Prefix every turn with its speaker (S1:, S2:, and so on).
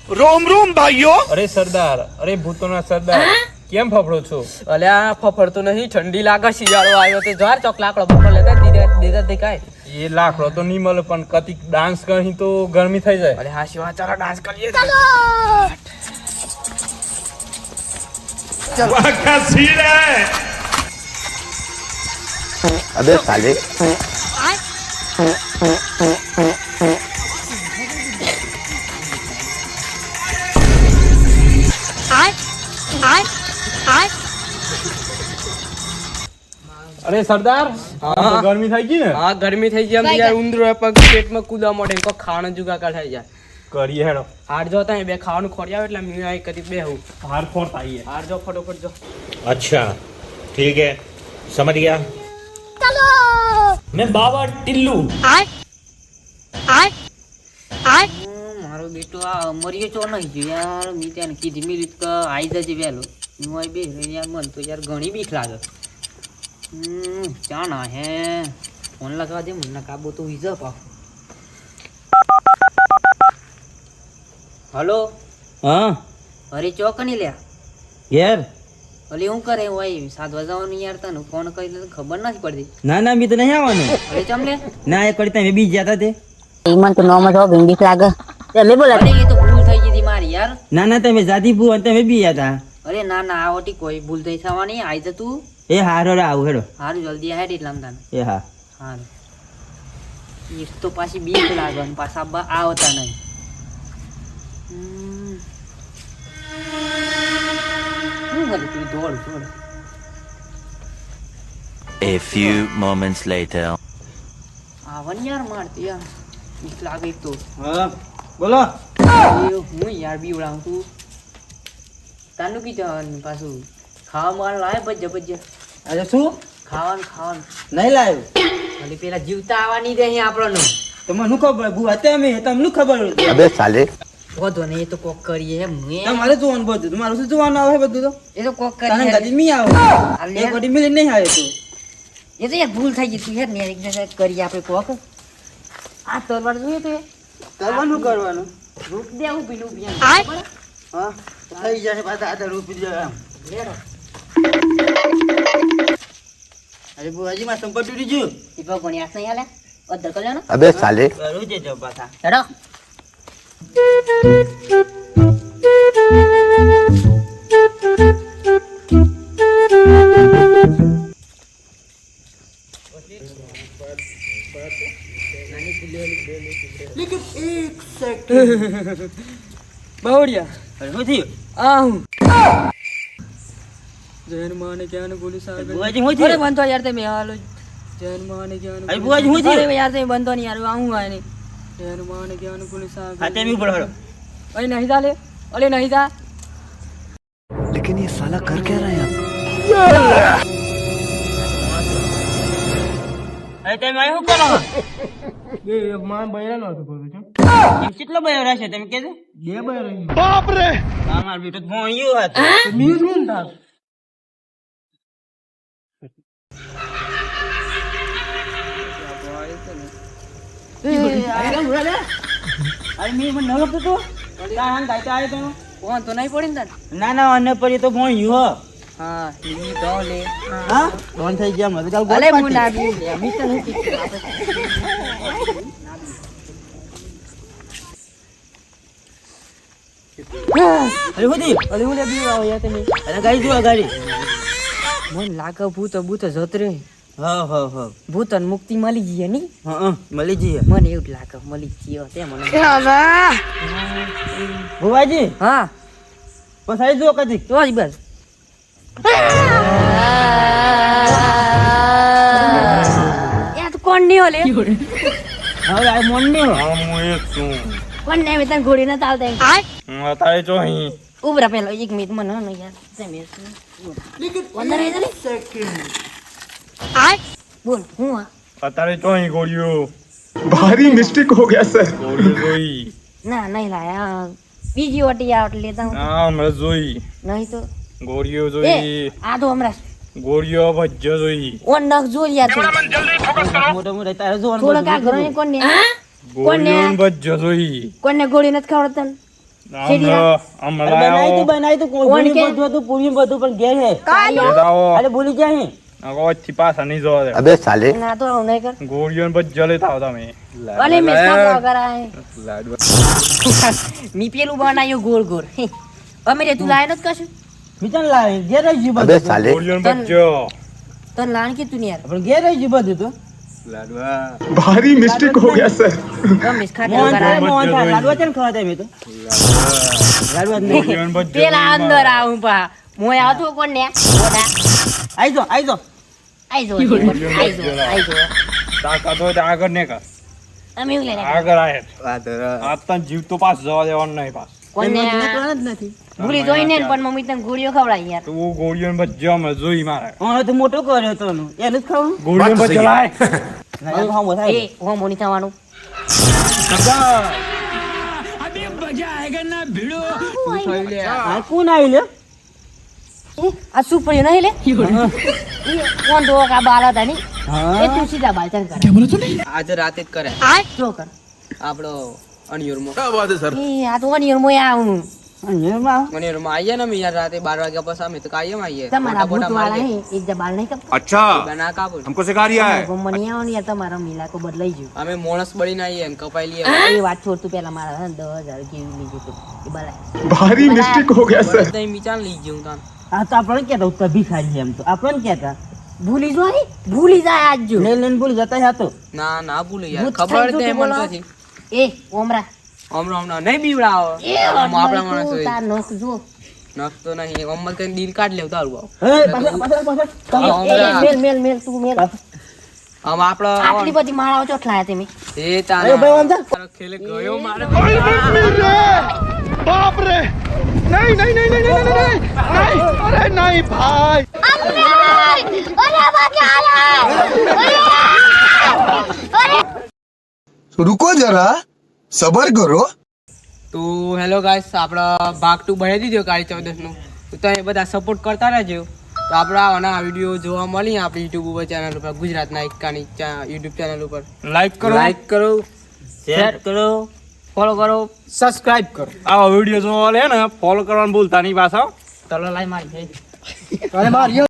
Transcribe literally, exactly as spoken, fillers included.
S1: રોમ રોમ ભાઈઓ.
S2: અરે સરદાર, અરે ભૂતોના સરદાર, કેમ ફફડો છો?
S3: અલ્યા ફફડતો નહીં, ઠંડી લાગે, શિયાળો આવ્યો તે જાર ચોક લાકડો પકડ લેતા દીધા દીધા દેખાય.
S2: એ લાકડો તો નહીં મળે, પણ કતિક ડાન્સ કરી તો ગરમી થઈ જાય.
S3: અરે હા શિવા, ચાલો ડાન્સ કરીએ.
S1: વાહ ક્યા સીન હે.
S4: अबे साले
S2: અરે સરદાર, આ ગરમી થઈ ગઈ ને?
S3: હા ગરમી થઈ ગઈ, આમ યાર ઉંદરો પગ પેટમાં કૂદવા મોડે કો ખાવાનું જુગાકા થઈ જાય.
S2: કરીએ હેડો.
S3: હાર જો તા બે ખાવાનું ખોરી આવે એટલે મી આઈ કરી બેહું.
S2: હાર ફોર તાઈએ.
S3: હાર જો ફટોફટ જો.
S5: अच्छा ठीक है, समझ गया. मैं बाबा टिल्लू.
S6: મારો બેટો આ મરીએ ચો નહીં જો યાર. મી ત્યાં કીધી મિલી તો આઈ જજે વહેલો. હું આઈ બે યાર, મન તો યાર ઘણી બીક લાગે. હમ ચા ના હે ફોન લગાવા દે, મને કાબો તો વીઝ પાવ. હલો.
S7: હા
S6: અરે ચોક નહીં લ્યા.
S7: યાર
S6: અલી હું કરે હોય સાત વાજવાનું યાર, તને ફોન કરી તો ખબર નથી પડતી.
S7: ના ના મી તો નહીં આવવાનું.
S6: અરે ચમ લે.
S7: ના એ કરી તમે બી ગયા તે
S8: ઈમન તો નોમ તો ભીંડી લાગે. તમે બોલા
S6: અરે એ તો ભૂલ થઈ ગઈ હતી મારી યાર.
S7: ના ના તમે જાતી ભૂ અને તમે બી ગયા
S6: અરે ના ના આ ઓટી કોઈ ભૂલ થઈ થવાની. આઈ જ તું.
S7: એ હારો રે આવું હેડો.
S6: હારું જલ્દી હેડ એટલે આમ તાને.
S7: એ હા
S6: હારું. એક તો પાછી બીક લાગે અને પાછા બા આવતા નહીં. હમ. શું કરું તું? દોડ દોડ.
S9: A few moments later.
S6: આવન યાર મારતી યાર. બીક લાગે એક તો.
S7: હા બોલો.
S6: એ હું યાર બીવડાવું તું. તાનું કી જવાનું પાછું ખાવા માર લાય ભજ્જ ભજ્જ.
S7: અરે શું
S6: ખાવાનું ખાવાનું
S7: નહીં લાવ્યું?
S6: ખાલી પેલા જીવતા આવવાની દે અહીં આપણને.
S7: તમને શું ખબર ભૂ હતા અમે તમને ખબર
S4: अबे साले
S6: વધો ને એ તો કોક કરીએ એમ.
S7: તમારે જોવાનું બધું તમારું શું જોવાનું આવે બધું તો
S6: એ તો કોક
S7: તાને
S6: કરીએ.
S7: ગાડી મી આવો એક ગાડી મિલી નહીં આવે તું.
S6: એ તો યાર ભૂલ થઈ ગઈ તું યાર ને યાર, એક જગ્યાએ કરીએ આપણે કોક. આ તલવાર જોઈએ તો
S7: કરવાનું કરવાનું
S6: રૂપ દે હું પીલું પીએ.
S7: હા થઈ જશે પાછા આધા રૂપી જાય આમ. અરે બુઆજી માં સંપત તૂટી ગયું.
S6: એ ભગવાન યાદ નહીં હાલે અધર કલ્યો ને.
S4: अबे साले
S7: કરું છે જો પાછા
S6: હેડો.
S3: બાવડિયા
S7: અરે શું થયું?
S3: આ હું જૈન માને જ્ઞાન ગુરુ સાગર.
S7: બુઆજી શું
S6: અરે
S7: થયું?
S6: બંધો યાર તમે હાલો.
S3: જૈન માને જ્ઞાન
S7: અરે બુઆજી શું
S6: અરે
S7: થયું?
S6: યાર તમે બંધો નહીં યાર. આવું આ નહીં.
S3: જૈન માને જ્ઞાન ગુરુ સાગર.
S7: હા તેમ ઉપર હળો.
S3: અરે નહીં જા લે. અરે નહીં જા.
S4: लेकिन ये साला कर क्या रहा है?
S7: અરે તમે અહીં શું કરો?
S3: એ માર બૈરાનો હતો બોલું છું.
S7: એમ કેટલો બયો રહેશે તમે કહેજો?
S3: બે બૈરો.
S1: બાપ રે.
S7: અમાર બેટો તો ભોંયું હતું.
S3: મી શું થાક?
S7: અરે મી મને ન લગતો તો તાન ગાયતા આવ્યો તો
S6: ફોન તો નહીં પડી ને તને.
S7: ના ના અન્ય પડી તો ભોંયું હો.
S6: હા ઈ તો લે.
S7: હા ફોન થઈ ગયા મને કાલ
S6: અલે
S7: ગોળ
S6: હું ના બીવ લે. મી તો નથી.
S7: અરે શું થયું?
S3: અરે હું લે બીવ આવો યાર તમે.
S7: અરે ગાડી જો ગાડી.
S6: મને લાગે ભૂત ભૂત જત રે.
S7: હા હા હા
S6: ભૂત ને મુક્તિ મળી ગઈ ની.
S7: હા મળી જઈએ.
S6: મને એવું જ લાગે મળી ગયો તે મને.
S7: ભુવાજી
S6: હા
S7: પસાઈ જો કદી.
S6: તો જ બસ. યાર તું કોણ નહીં ઓલે.
S7: હવે આ મોન નહીં હો.
S2: હા હું એક છું.
S6: કોણ નહીં તને ઘોડી ના ચાલતા.
S2: હું અત્યારે જો અહીં.
S6: ઉભરા પેલો એક મિનિટ મને ન યાર. તમે અંદર આવી ને. બોલ હું આ
S2: અત્યારે જો અહીં ગોળીઓ.
S1: भारी मिस्टेक हो गया सर.
S2: ગોળીઓ જોઈ.
S6: ના નહીં લાયા બીજી ઓટી આવ લેતા હું.
S2: હા હમણાં જોઈ.
S6: નહીં તો
S2: ગોળીઓ
S6: એ
S2: જોઈ.
S6: આ તો હમણાં
S2: ગોળીઓ ભજ્જો જોઈ.
S6: ઓન નખ જોઈ યાર તું.
S7: મોટો મોટો તારે જોવાનું
S6: થોડો કા ઘરે કોને
S2: ગોળીઓ ભજ્જો જોઈ.
S6: કોને ગોળી નથી ખવડતા ને?
S2: આમ
S7: બનાવી તું બનાવી તું કોઈ
S3: કોણ કે?
S7: બધું હતું પૂરી બધું પણ ઘેર હે
S2: લાવો
S7: અરે ભૂલી જાય હે
S2: અગોથી પાછા નહીં જોવા દે
S4: अबे साले
S3: ના તો આવું નહીં કર
S2: ગોળીઓ બધ જલે થાવ તમે
S3: અલે મિસ્કા વગર આય મી પેલું બનાવ્યું ગોળ ગોળ હે. અમે રે તું લાય નથી કશું
S7: મિતન લાવે ઘેર રહી જી
S4: अबे
S7: બધું
S4: साले
S2: ગોળીઓ બધ જો
S3: તને લાણ કીધું ને યાર
S7: પણ ઘેર રહી જી બધું તો
S1: भारी मिस्टेक हो गया सर
S3: ગમ મિસ્કા
S7: મોહન
S3: વગર
S7: થાય
S3: આય.
S7: મોહન થાય લાડવા છે ને ખવાતા મેં તો લાડવા જ નહીં
S2: ગોળીઓ બધ
S3: પેલા અંદર આવું પા મોય આવતો કોણ ને ઓડા
S7: આઈ જો આઈ જો
S3: આઈ જો આઈ જો આઈ જો
S2: તાકાત હોય તો આગળ ને કર
S3: અમે એવું લઈને
S2: આગળ આય આ તને જીવ તો પાસ જવા દેવાનું નહીં પાસ
S3: કોણ ને
S7: નીકળવાનું જ નથી
S3: ભૂલી જોઈને ને પણ મમ્મી તને ગોળીઓ ખવડાવી યાર
S2: તું ગોળીઓ બધ જમ જોઈ મારે
S7: હા તો મોટો કર્યો તો એનું એનું જ ખાવું
S2: ગોળીઓ બધ જલાય
S7: લાગે ખાવું થાય
S3: એ હું મોની થવાનું
S7: આ કોણ આવી લે
S3: એ આ શું પડ્યું નહીં લે એ કોણ તો કા બાલ હતા ની એ તું સીધા બાલ ચાલ કરે
S6: આજે રાતે જ કરે
S3: આ જો કર
S6: આપણો અણિયોરમાં
S3: એ આ તો વનિયર મોય આવું
S7: એમાં
S6: અણિયોરમાં આવીએ ને અમે યાર રાતે બાર વાગ્યા પછી અમે તો કાયમ આવીએ
S3: તમારા ભૂત વાળા હે એક જ બાલ નહીં કપતા
S6: બના કાપો
S1: हमको सिखा रिया है
S3: ગમની આવો ને યાર તમારો મિલાકો બદલાઈ ગયો
S6: અમે મોણસ બળીને આવીએ ને કપાઈ લઈએ
S3: એ વાત છોડ તું પેલા મારા હે ને દસ હજાર કેવી લીધી તું એ બલાય
S1: भारी मिस्टेक हो गया सर
S6: તઈ મીચાન લઈ ગયું તાન
S7: આ તો આપણે કહેતા ઉત્તર ભિખારી છે એમ તો આપણે કહેતા
S3: ભૂલી જો હે ભૂલી જાય આજ જો
S7: લઈને લઈને ભૂલી જતા હતો
S6: ના ના ભૂલે યાર
S3: ભૂત
S6: ખબર
S3: થઈ
S6: તે
S3: જતું
S6: મને
S3: બોલો.
S6: નથી
S3: એ ઓમરા
S6: હમણાં હમણાં નહીં બીવડાવો
S3: એ
S6: આપણા
S3: તું
S6: માણસ
S3: તાર નખ જો
S6: નખતો નહીં અમલ કઈ દિલ કાઢ લેવ તારું આવ
S7: હે પાછળ પાછળ પાછળ
S3: એ, એ, મેલ મેલ મેલ તું મેલ
S6: આમ આપડે
S3: આટલી બધી માળાઓ ચોટલાયા તમે
S6: એ તાન
S7: અરે ભાઈ વાંધા
S6: તારો ખેલે ગયો મારે
S1: बाप रे नहीं नहीं नहीं नहीं नहीं नहीं नहीं अरे नहीं भाई
S4: रुको जरा सबर करो
S6: તો હેલો ગાઈસ આપણા ભાગ ટુ બનાવી દીધો કાળી ચૌદસ નું તો તમે બધા સપોર્ટ કરતા રહેજો તો આપણા આના વિડીયો જોવા મળી આપણી યુટ્યુબ ઉપર ચેનલ ઉપર ગુજરાતના એકાની યુટ્યુબ ચેનલ ઉપર
S2: લાઈક કરો
S6: લાઈક કરો શેર કરો ફોલો કરો
S2: સબસ્ક્રાઇબ કરો આવા વિડીયો જોવા લે ને ફોલો કરવાનું ભૂલતા નહીં પાછા
S6: તલો લાઈ મારી
S7: અરે માર